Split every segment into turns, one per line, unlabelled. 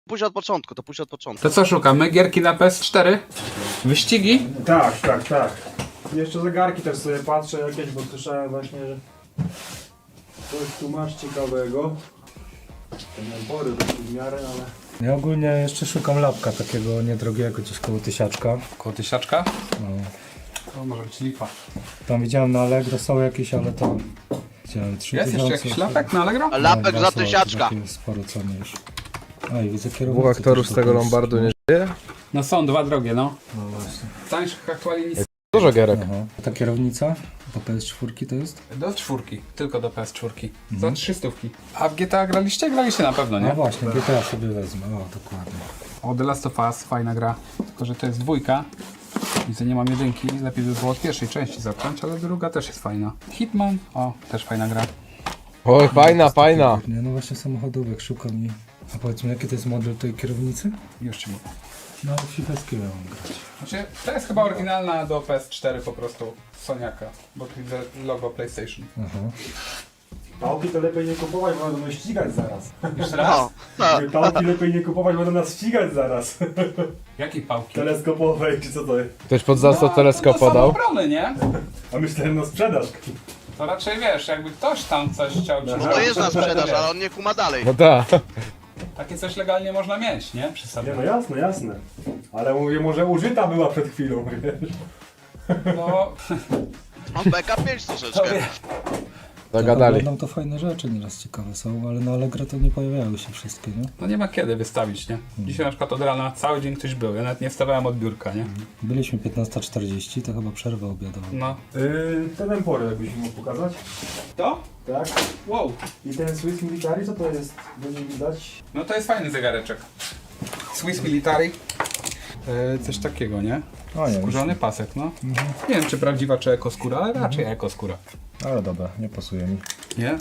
Pójdź od początku, to pójdź od początku.
To co szukamy? Gierki na PS4? Wyścigi?
Tak. Jeszcze zegarki też sobie patrzę jakieś, bo słyszałem właśnie, że coś tu masz ciekawego. Ten pory to w miarę, ale... Ja ogólnie jeszcze szukam lapka takiego niedrogiego, gdzieś koło tysiaczka.
Koło tysiaczka?
No.
To może być lipa.
Tam widziałem na Allegro są jakieś, ale to... Widziałem 3000.
Jest jeszcze jakiś lapek na Allegro?
A lapek
No,
za
są
tysiaczka.
takie Sporo ceny już. A i widzę kierownicę.
Dwóch aktorów z tego Lombardu nie żyje?
No są dwa drogie, no.
No właśnie.
Tańszych aktualnie nic.
Dużo gierek.
Aha. A ta kierownica do PS4 to jest?
Do czwórki, tylko do PS4. Za 300. A w GTA graliście? Graliście na pewno,
No
nie?
właśnie, GTA sobie wezmę, o dokładnie.
O, The Last of Us, fajna gra. Tylko, że to jest dwójka. Widzę, nie mam jedynki. Lepiej by było od pierwszej części zacząć, ale druga też jest fajna. Hitman, o, też fajna gra.
Oj, fajna.
Nie, no właśnie samochodówek szukam i... A powiedz mi, jaki to jest model tej kierownicy?
Już ci mówię.
No, FIFA mam grać.
Znaczy, to jest chyba oryginalna do PS4 po prostu Soniaka, bo tu widzę logo PlayStation.
Aha. Pałki to lepiej nie kupować, bo będą nas ścigać zaraz.
Jeszcze raz?
No, no.
Pałki lepiej nie kupować, bo będą nas ścigać zaraz.
Jakiej pałki?
Teleskopowej, czy co to jest?
Ktoś pod zasad teleskop
to są
podał.
obrony, nie?
A myślałem na sprzedaż.
To raczej wiesz, jakby ktoś tam coś chciał ci
No to jest na sprzedaż, ale on nie kuma dalej.
No tak.
Takie coś legalnie można mieć, nie? Przy
Nie,
sobie.
no jasne. Ale mówię, może użyta była przed chwilą, wiesz?
No,
Mam PK5 troszeczkę.
Zagadali.
Oglądam to fajne rzeczy nieraz ciekawe są, ale na Allegro to nie pojawiały się wszystkie, nie?
no nie ma kiedy wystawić, nie? Dzisiaj na przykład od rana cały dzień ktoś był, ja nawet nie wstawałem od biurka, nie?
Byliśmy 15:40, to chyba przerwa obiadowa.
No.
Ten Empory, jakbyś mógł pokazać.
To?
Tak.
Wow.
I ten Swiss Military, co to jest? Będzie widać.
No to jest fajny zegareczek. Swiss Military. Coś takiego, nie?
O nie,
Skórzany pasek, no. Nie wiem, czy prawdziwa, czy ekoskóra, ale raczej ekoskóra.
ale dobra, nie pasuje mi.
Nie?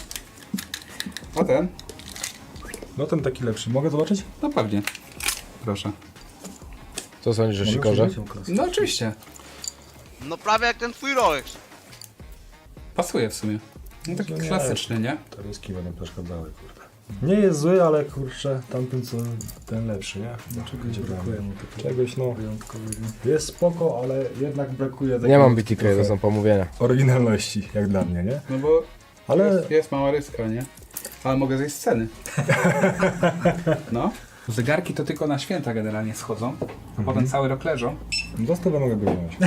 A ten?
No ten taki lepszy, mogę zobaczyć?
No pewnie. Proszę.
Co sądzisz o Sikorze?
No oczywiście.
No prawie jak ten twój Rolex.
Pasuje w sumie. No taki
nie.
klasyczny, nie?
Te ryski będą przeszkadzały, kurde. Nie jest zły, ale kurczę, tamten co ten lepszy, nie? Czegoś brakuje mu takiego. Czegoś no wyjątkowego. Jest spoko, ale jednak brakuje takiej
Nie mam BTK,
trochę
to są pomówienia.
oryginalności, jak dla mnie, nie?
No bo
Ale
jest mała ryska, nie? Ale mogę zejść z ceny. No. Zegarki to tylko na święta generalnie schodzą, a potem cały rok leżą.
do stówę mogę go wziąć.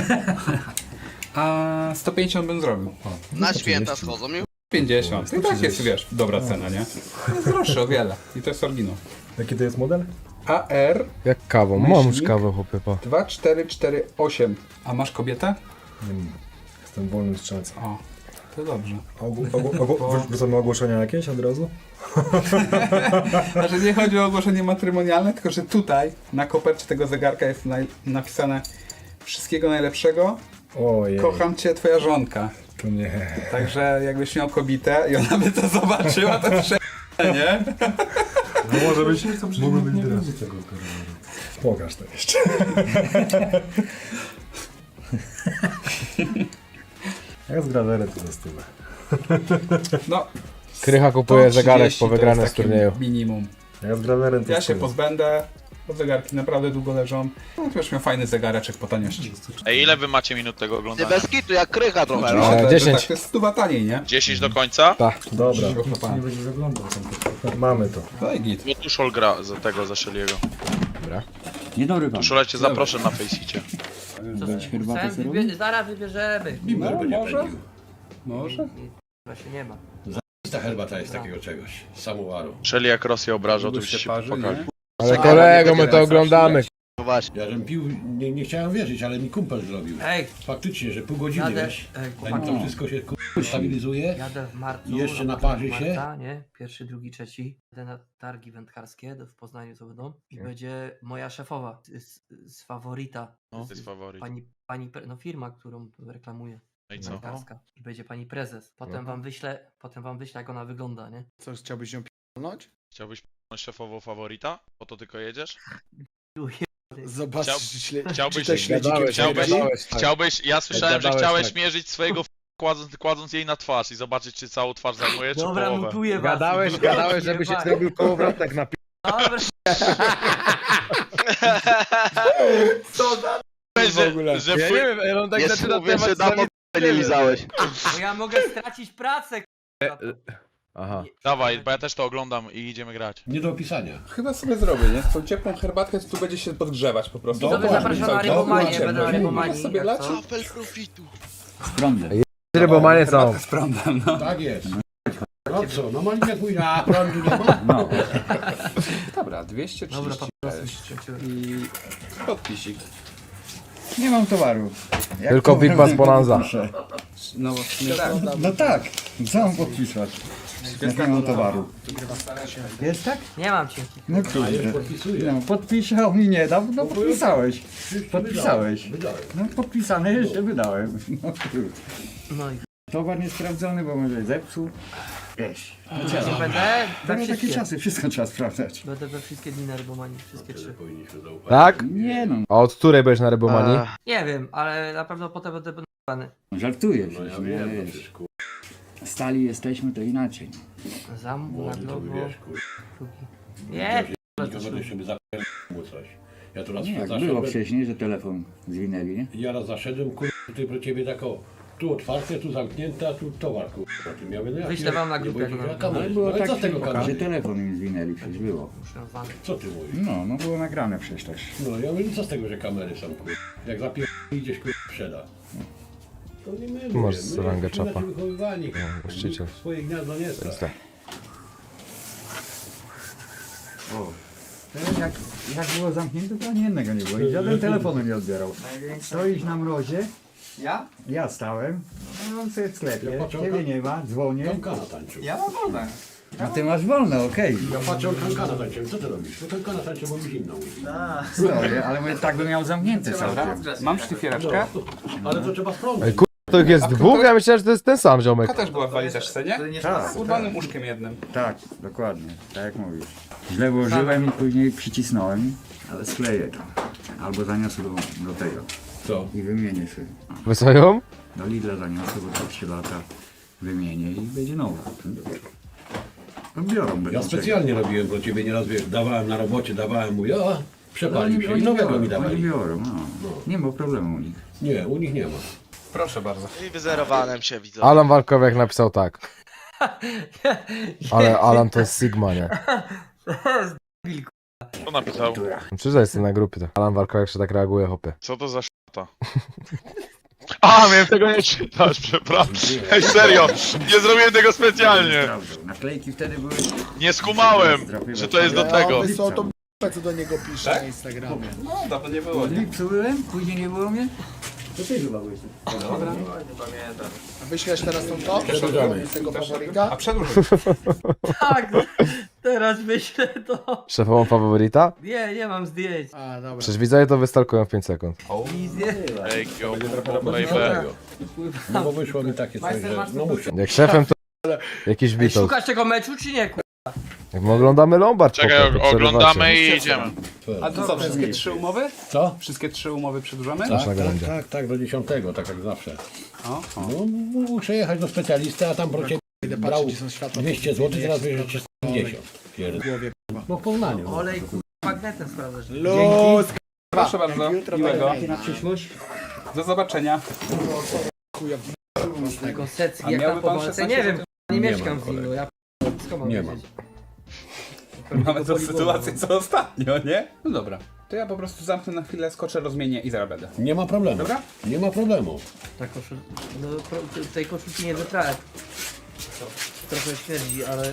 A 150 bym zrobił.
Na święta schodzą i
50. I tak jest, wiesz, dobra cena, nie? Jest droższy o wiele. I to jest oryginał.
Jaki to jest model?
AR
Jak kawą. Mam już kawę, chłopie, pa.
2448. A masz kobietę?
Nie wiem. Jestem wolnym strzelcem.
O, to dobrze.
Wrzucamy ogłoszenia jakieś od razu?
Znaczy nie chodzi o ogłoszenie matrymonialne, tylko że tutaj na kopercie tego zegarka jest napisane wszystkiego najlepszego,
Ojej.
kocham cię, twoja żonka.
To nie.
Także jakbyś miał kobietę i ona by to zobaczyła, to nie?
No może być, mogło być teraz. Pokaż to jeszcze. Jak z grawerem to za stówę.
No,
Krycha kupuje
130
zegarek po
to jest
wygranym z
takie
turnieju.
minimum.
Jak z grawerem to
Ja się
stówę.
pozbędę, bo zegarki naprawdę długo leżą. No to już miał fajny zegareczek po taniości.
Ej, ile wy macie minut tego
nie
oglądania?
bez kitu, jak krycha trochę. No.
Oczywiście, to,
10.
Tak, to jest 100 taniej, nie?
10 do końca?
Dobra.
Pan.
Nie będzie zaglądał tam. Mamy to.
Daj git.
Bo Tuszol gra za tego, za Szeliego.
Dzień dobry wam.
Tuszole cię zaproszę na Faceicie.
Zaraz wybierzemy.
Może?
Chyba się nie ma.
Ta herbata jest takiego czegoś, samowaru.
Szeli jak Rosję obrażał, to już
się
się
parzy,
pokaże.
nie?
Ale kolego, my to oglądamy.
No właśnie.
Ja żem pił, nie chciałem wierzyć, ale mi kumpel zrobił.
Ej,
Faktycznie, że pół godziny,
jadę,
wiesz,
ej,
zanim to wszystko się stabilizuje.
jadę w marcu.
I jeszcze
na
naparzy
początku
się?
Marca, nie? Pierwszy, drugi, trzeci. Jadę na targi wędkarskie w Poznaniu, co będą. I będzie moja szefowa z faworita.
No, to jest faworyt.
No firma, którą reklamuję.
No i co?
Wędkarska. I będzie pani prezes. Potem wam wyślę, jak ona wygląda, nie?
Co, chciałbyś ją p***nąć?
Chciałbyś p***nąć szefową faworita? Po to tylko jedziesz?
Zobacz,
Chciałbyś, ja słyszałem, że
gadałeś,
chciałeś
tak.
mierzyć swojego kładąc jej na twarz i zobaczyć, czy całą twarz zajmuje, czy
Dobra,
połowę.
mutuję was.
Gadałeś, żeby się zrobił kołowrotek na
Dobra,
Że
Ja nie wiem, ej, on tak
Nie
zaczyna
mówię, że
temat
dawno nie lizałeś.
Bo ja mogę stracić pracę,
Aha.
Dawaj, bo ja też to oglądam i idziemy grać.
Nie do opisania.
Chyba sobie zrobię, nie? Tą ciepłą herbatkę, to tu będzie się podgrzewać po prostu.
Widzowie zapraszam na rybomanię, będę na
Mogę
rybomanii.
sobie
jak
lać?
co.
Apel profitu.
Rybomanie są.
Z prądem, no.
Tak jest. No co, no malinę pójdzie, a prądu nie ma?
No. Dobra, 230
Dobra, po prostu się skończyłem.
i podpisik.
Nie mam towaru. Jak
Tylko
towar
Big Bass
nie
Bonanza.
podpiszę?
No właśnie tak.
No tak, co mam podpisać? Jak nie mam towaru. Jest tak?
Nie mam cię.
No kurde. No, podpiszę, a mi nie dał, no podpisałeś. Podpisałeś. No podpisane jeszcze wydałem. No kurde.
No i
Towar niesprawdzony, bo może zepsuł. Wiesz.
nie będę we
Teraz takie
wszystkie.
czasy, wszystko trzeba sprawdzać.
Będę we wszystkie dni na rybomanii, wszystkie 3.
Tak?
Nie no,
A od której będziesz na rybomanii?
Nie wiem, ale na pewno potem będę b***any.
żartuję przecież, nie wiesz. Stali jesteśmy, to inaczej.
Zamów na globo. Nie,
Nie będę sobie zapewnił mu coś. Ja tu raz
Nie, jak
zaszedłem,
było wcześniej, że telefon zwinęli, nie?
ja raz zaszedłem, tutaj pro ciebie tak o, tu otwarte, tu zamknięte, a tu towar, Ty miałem, no jak
Wyślę wam na grupę, jak
jak
mam.
Ale było
co
tak,
z tego
że
kanału?
telefon im zwinęli, przecież było.
muszę nazwany.
Co ty mówisz?
No było nagrane przecież też.
No ja mówię, co z tego, że kamery są, Jak idziesz, sprzeda. To nie my,
Masz
my
rangę
jesteśmy
czapa.
inaczej wychowywani,
właściciel.
Swoje gniazdo nie
To jest
strach.
tak.
Jak było zamknięte, to ani jednego nie było i żaden telefonu nie odbierał. Stoisz na mrozie,
Ja?
ja stałem, no on sobie w sklepie,
Ja patrzę,
ciebie nie ma, dzwonię,
Kankana tańczył.
Ja mam wolne.
a ty masz wolne, okej.
Ja patrzę, kankana tańczył. Co ty robisz? No kankana tańczył, bo mi zimno.
Stoję, ale mówię, tak bym miał zamknięte całkiem.
Mam sztyfiereczkę.
Ale to trzeba sprzątać.
Ej, to ich jest dwóch? Ja myślałem, że to jest ten sam ziomek.
Ta też była w walizeczce, nie?
Tak,
Z urwanym łóżkiem jednym.
tak, dokładnie, tak jak mówisz. Źle włożyłem i później przycisnąłem, ale skleję to. Albo zaniosę do tego
Co?
i wymienię sobie.
Wysoją?
Do Lidla zaniosę, bo tak się lata wymienię i będzie nowa. No biorą, będą
Ja specjalnie robiłem pro ciebie nieraz, wiesz, dawałem na robocie, dawałem mu, ja przepalił się i nowego mi
Oni
dawali.
biorą, no. Nie ma problemu u nich.
Nie, u nich nie ma.
Proszę bardzo.
I wyzerowałem się, widzę.
Alan Walkowiak napisał tak. Ale Alan to jest Sigma, nie?
Co napisał?
Czyżda jestem na grupie to. Alan Walkowiak się tak reaguje, hopie.
Co to za szata? A, miałem tego nie czytać, przepraszam. Ej, serio, nie zrobiłem tego specjalnie.
Sprawdzą. Naklejki wtedy były...
Nie skumałem, że to jest do tego.
Wysłał tą co do niego pisze
Tak?
na Instagramie.
No, dawno nie było,
W
nie?
lipcu byłem, później nie było mnie.
A wyślesz teraz tą to? Z tego faworyka?
A przedłuż.
Tak, teraz myślę to.
Szefową faworyta?
Nie mam zdjęć.
A, dobra.
Przecież widzowie to wystalkują w 5 sekund.
Wizję.
Ej, baby.
No bo wyszło mi takie coś, że no muszę.
Jak szefem to jakiś
Ej,
Beatles.
szukasz tego meczu czy nie?
Jak my oglądamy Lombard,
Czekaj,
chłopie, to
oglądamy
przerywacie.
i idziemy.
A to co, wszystkie 3 umowy?
Co?
Wszystkie 3 umowy przedłużamy?
Masz na gałęzie.
Tak, do 10, tak jak zawsze.
O, o.
No, muszę jechać do specjalisty, a tam pro ciebie
Idę
brał
patrzeć, gdzie są światła.
200 zł, teraz bierzesz 150. Pierdolę. No w Poznaniu.
Olej magnetem sprawdzasz.
Luz!
Proszę bardzo,
Jutro
miłego.
będę
Na przyszłość?
Do zobaczenia.
Taką secję,
A
jak
miałby
tam po
pan
walce.
16
Nie wiem,
zł?
nie
Nie
mieszkam
mam,
w Willu. Ja skąd mam
Nie
wiedzieć?
Mamy tą sytuację co ostatnio, nie? No dobra. To ja po prostu zamknę na chwilę, skoczę, rozmienię i zaraz będę.
Nie ma problemu.
Dobra?
Nie ma problemu.
Ta no, tej koszulki nie wytrałem. Trochę śmierdzi, ale...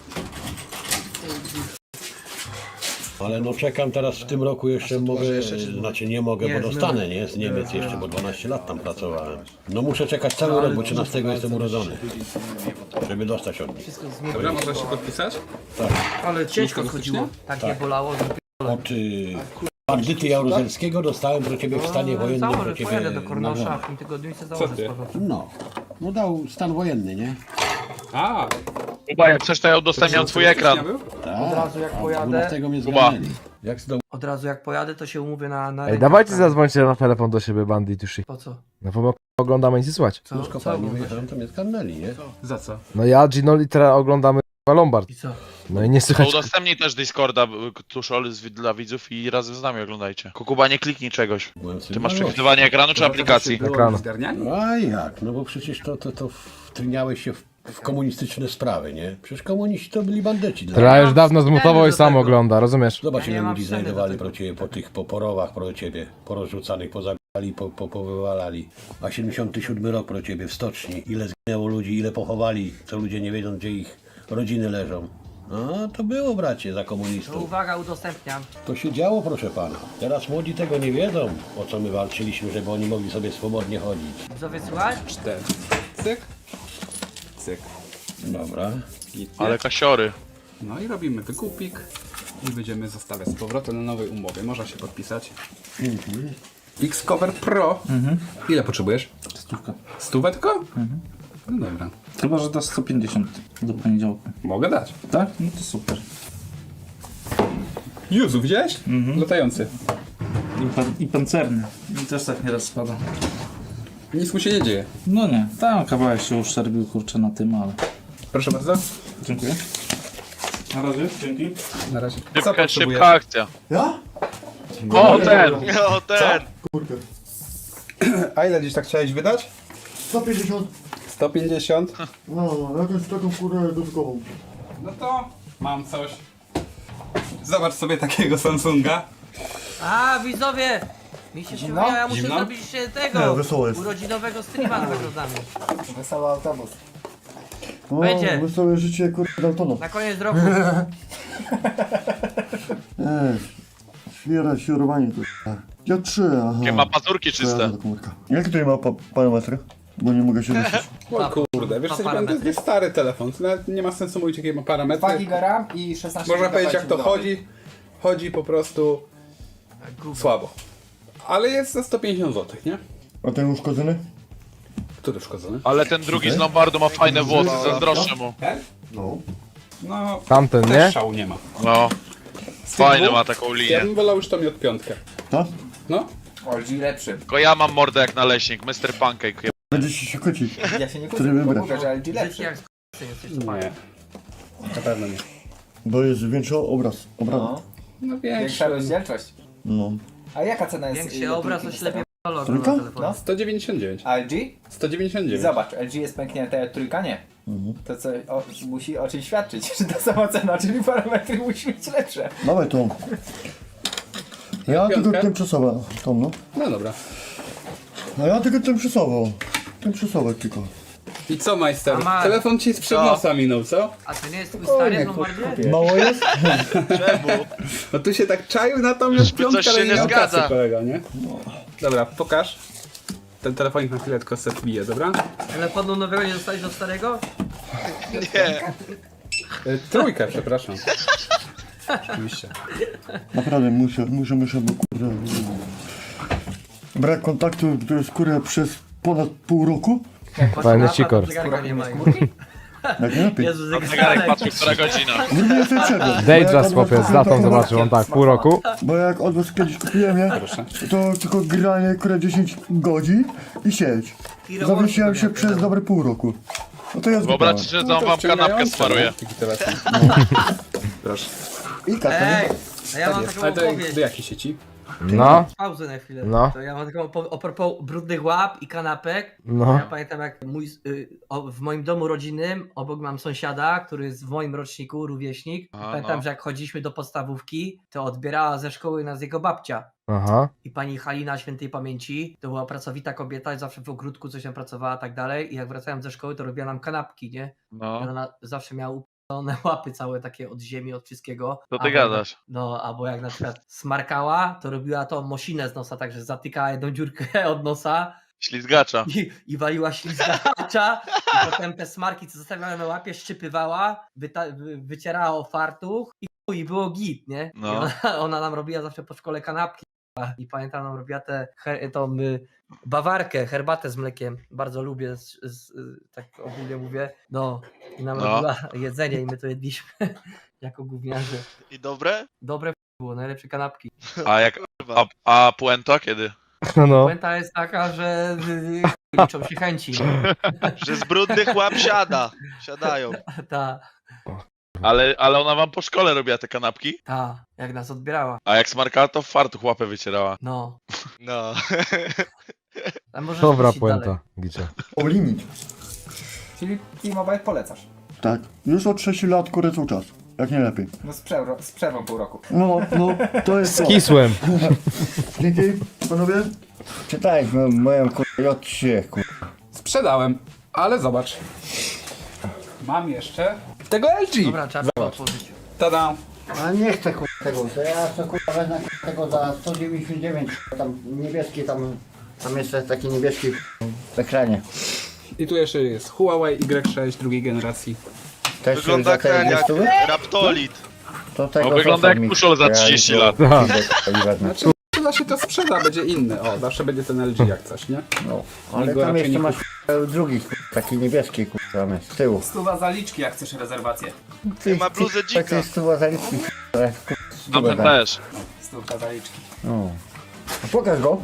Ale no czekam teraz w tym roku jeszcze mogę, znaczy nie mogę,
Nie,
bo dostanę, nie? Z Niemiec jeszcze, bo 12 lat tam pracowałem. No muszę czekać cały rok, bo 13 jestem urodzony. Żeby dostać od nich.
Wszystko
Dobra,
zmieniło.
można się podpisać?
Ale ciężko
Ciężko
chodziło. Tak nie
Tak.
bolało.
Od bandyty Jaruzelskiego dostałem pro ciebie w stanie wojennym,
Założę,
pro ciebie
pojadę do Kornosza,
nagrodę.
w tym tygodniu i sobie założę
ty?
z powrotem.
No dał stan wojenny, nie?
A,
Kuba, jak chcesz, to ja udostępniam twój ekran.
Tak.
Od razu jak
A
pojadę,
12 mnie
Kuba.
zgarnęli. Jak z domu
od razu jak pojadę, to się umówię na
Ej,
rękę
dawajcie
wprawy.
zadzwońcie na telefon do siebie, bandit już.
Po co?
No bo my oglądamy nic nie słychać.
Co?
z
Co
kopalni
oglądasz?
wyjechałem, to mnie zgarnęli, nie?
za co?
No ja, Ginoli, teraz oglądamy Lombard.
I co?
No i nie
To
słychać.
udostępnij też Discorda, Tuszol, dla widzów i razem z nami oglądajcie. Kukuba, nie kliknij czegoś.
Byłem
Ty masz
sygnalowany.
przewidywanie ekranu czy aplikacji?
Ekranu.
A jak? No bo przecież to wtryniałeś się w komunistyczne sprawy, nie? Przecież komuniści to byli bandyci.
Tra już dawno zmutował i
do
sam
tego.
ogląda, rozumiesz?
Zobacz,
Ja nie
ile
mam
ludzi
sceny do
znajdowali
tego.
pro ciebie po tych porowach pro ciebie, porozrzucanych, pozabijali, powywalali. A 77 rok pro ciebie w stoczni. Ile zginęło ludzi, ile pochowali, co ludzie nie wiedzą, gdzie ich rodziny leżą. No, to było, bracie, za
To
komunistów.
uwaga, udostępniam.
To się działo, proszę pana. Teraz młodzi tego nie wiedzą, o co my walczyliśmy, żeby oni mogli sobie swobodnie chodzić.
Widzowie, słuchaj?
4. Cyk. Cyk.
Dobra.
Ale kasiory.
No i robimy wykupik i będziemy zostawiać z powrotem na nowej umowie. Można się podpisać. Xcover Pro. Ile potrzebujesz?
100.
100 tylko? No dobra.
Chyba, że dasz 150 do poniedziałku.
Mogę dać.
Tak? No to super.
Juzu, widziałeś? Latający.
I pancerny. I też tak nieraz spada.
Nic mu się nie dzieje.
No nie, tam kawałek się uszczerbił, kurczę, na tym, ale...
Proszę bardzo.
Dziękuję. Na razie, dzięki.
Na razie.
Szybka akcja.
Ja?
O, ten!
O, ten!
Kurde.
A ile gdzieś tak chciałeś wydać?
150.
150.
No, jakąś taką kurę dodatkową.
No to mam coś. Zobacz sobie takiego Samsunga.
A, widzowie! Mi się przypomniało, ja muszę
Zimno?
zrobić się
Nie,
tego
wesoło jest.
urodzinowego streama z nagrodami.
Wesoły autobus. O,
Będzie.
wesołe życie kurwa Daltona.
Na koniec roku.
Świera, świrowanie kurwa. Ja 3, aha.
Jakie ma pazurki czyste.
Jaki tutaj ma parametry? Bo nie mogę się ruszyć.
O kurde, wiesz co,
parametry.
to jest stary telefon. To nawet nie ma sensu mówić jakie ma parametry.
2 GB RAM i 16
Można
GB
powiedzieć jak to
budowy.
chodzi. Chodzi po prostu słabo. Ale jest za 150 zł, nie?
A ten uszkodzony?
Który szkodzony?
Ale ten drugi z Lombardu ma fajne włosy, zazdroszczę mu.
No.
No,
Tamten, nie?
też szału nie ma.
No. Fajny ma taką
Ja
linię.
bym wolał już to mi od piątkę.
Tak?
No.
LG lepszy.
Tylko ja mam mordę jak naleśnik, Mr. Pancake.
Będzie się kłócić.
Ja się nie
Który
kłócę,
wybrać?
mówię, że LG
Brzydki
lepszy.
jak jesteś, to
Nie. Na pewno nie.
Bo jest większy obraz.
No.
No
Większa
większy.
rozdzielczość.
No.
A jaka cena jest?
Większy obraz, to ślepie kolor
Trójka?
na telefonie.
No.
199.
A LG?
199.
Zobacz, LG jest pęknięte, trójka nie. To co musi o czymś świadczyć, że ta sama cena, czyli parametry musi być lepsze.
Dawaj tą. Ja tylko
Piątkę?
tymczasowo. Tą no.
No dobra.
A ja tylko tymczasowo. Tymczasowo tylko.
I co, majster?
A ma-
Telefon ci z nosa minął, co?
A to nie jest twój stary w Lombardzie?
Mało jest?
Czemu?
No tu się tak czaił na tą już
Czyżby
piątkę,
coś się
ale nie
nie
miał kasy,
zgadza?
kolega, nie? Dobra, pokaż. Ten telefonik na chwilę tylko se wbije, dobra?
Telefonu nowego nie dostałeś do starego?
Nie.
Trójkę, przepraszam. Oczywiście.
Naprawdę muszę, bo kurde. Brak kontaktu, który skórę przez ponad pół roku.
Fajny sikor.
Zegarka nie ma.
Jak nie lepiej.
Jezu,
Zegarek
zegarek.
patrzył, która godzina.
Nie jestem przed.
Dayjust chłopie, z datą zobaczył, on tak, pół roku.
Bo jak od was kiedyś kupiłem je, to tylko granie które 10 godzin i sieć. Zawiesiłem się przez dobre pół roku. No to ja zgubiłem.
Wyobraźcie, że on wam kanapkę smaruje.
Taki telefon. Proszę.
I kartę.
Ej, a ja mam taką
Ale do
opowieść.
jakiej sieci?
No,
Pauzę na chwilę.
No.
To ja mam taką a propos brudnych łap i kanapek.
no.
Ja pamiętam jak w moim domu rodzinnym obok mam sąsiada, który jest w moim roczniku, rówieśnik.
Aha,
Pamiętam,
no.
że jak chodziliśmy do podstawówki, to odbierała ze szkoły nas jego babcia.
Aha.
I pani Halina świętej pamięci, to była pracowita kobieta, zawsze w ogródku coś tam pracowała, tak dalej. I jak wracałem ze szkoły, to robiła nam kanapki, nie? I
No,
ona zawsze miała upalone łapy całe takie od ziemi, od wszystkiego.
to ty
Albo-
gadasz.
No, albo jak na przykład smarkała, to robiła tą mosinę z nosa, także zatykała jedną dziurkę od nosa
Ślizgacza.
i waliła ślizgacza i potem te smarki, co zostawiała na łapie, szczypywała, wycierała o fartuch i było git, nie?
No.
I ona nam robiła zawsze po szkole kanapki i pamiętam, nam robiła tą bawarkę, herbatę z mlekiem, bardzo lubię, tak ogólnie mówię, no i nam
No.
robiła jedzenie i my to jedliśmy jako gówniarze.
I dobre?
Dobre było, najlepsze kanapki.
A jak... A puenta kiedy?
No.
Puenta jest taka, że liczą się chęci.
Że z brudnych łap siada. Siadają.
Ta.
Ale ona wam po szkole robiła te kanapki?
Ta, jak nas odbierała.
A jak smarkała, to w fartuch łapę wycierała.
No.
No.
A możesz
Dobra
puścić dalej.
puenta, Gicie.
O limit.
Czyli T-Mobile polecasz.
Tak. Już od 6 lat kurę cały czas. Jak nie lepiej.
No z przerwą pół roku.
No, to jest to.
Kisłem.
Dzięki, panowie. Czytaliśmy moją kurę J3, kurę.
Sprzedałem, ale zobacz. Mam jeszcze tego LG.
Dobra, trzeba to otworzyć.
Tada.
A nie chcę tego, to ja chcę wezmę tego za 199, tam niebieski, tam jeszcze jest taki niebieski w ekranie.
I tu jeszcze jest Huawei Y6 drugiej generacji.
Też
Wygląda
za te
jak
200?
Raptolit.
To tego
No, wygląda
zostaw
jak
mi.
puszol za 30 lat.
Znaczy, da się to sprzeda, będzie inny. O, zawsze będzie ten LG jak coś, nie?
No, ale
Nikt go
tam
raczej
jeszcze
nie
masz drugi, taki niebieski, tam z tyłu.
Stuwa zaliczki, jak chcesz rezerwację.
Ma bluzę dzika.
Tak jest tu zaliczki,
Tamten też.
Stówka zaliczki.
No. Pokaż go.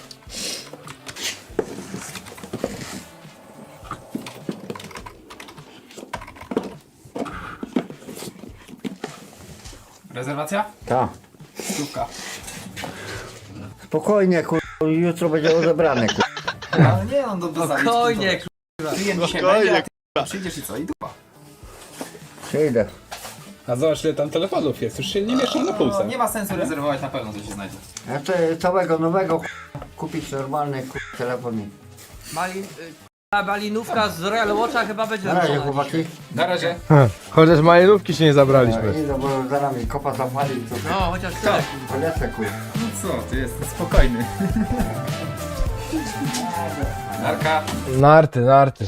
Rezerwacja?
Tak.
Stówka.
Spokojnie, jutro będzie odebrane,
Ale nie, on do zaliczki.
Spokojnie,
Klient dzisiaj
Spokojnie,
będzie, a ty przyjdziesz i co? I dupa.
Przyjdę.
A zobacz ile tam telefonów jest, już się nie mieszczą na półce.
Nie ma sensu rezerwować, na pewno coś się znajdzie.
Ja chcę całego nowego kupić normalny telefon.
Malinówka z Royal Watcha chyba będzie
Na razie,
robiona
chłopaki.
dzisiaj.
Na razie.
Chociaż malinówki się nie zabraliśmy.
Idę, bo zaraz mi kopa zapali, to
No, chociaż tyle.
polecę,
No co, ty jesteś spokojny. Narka.
Narty.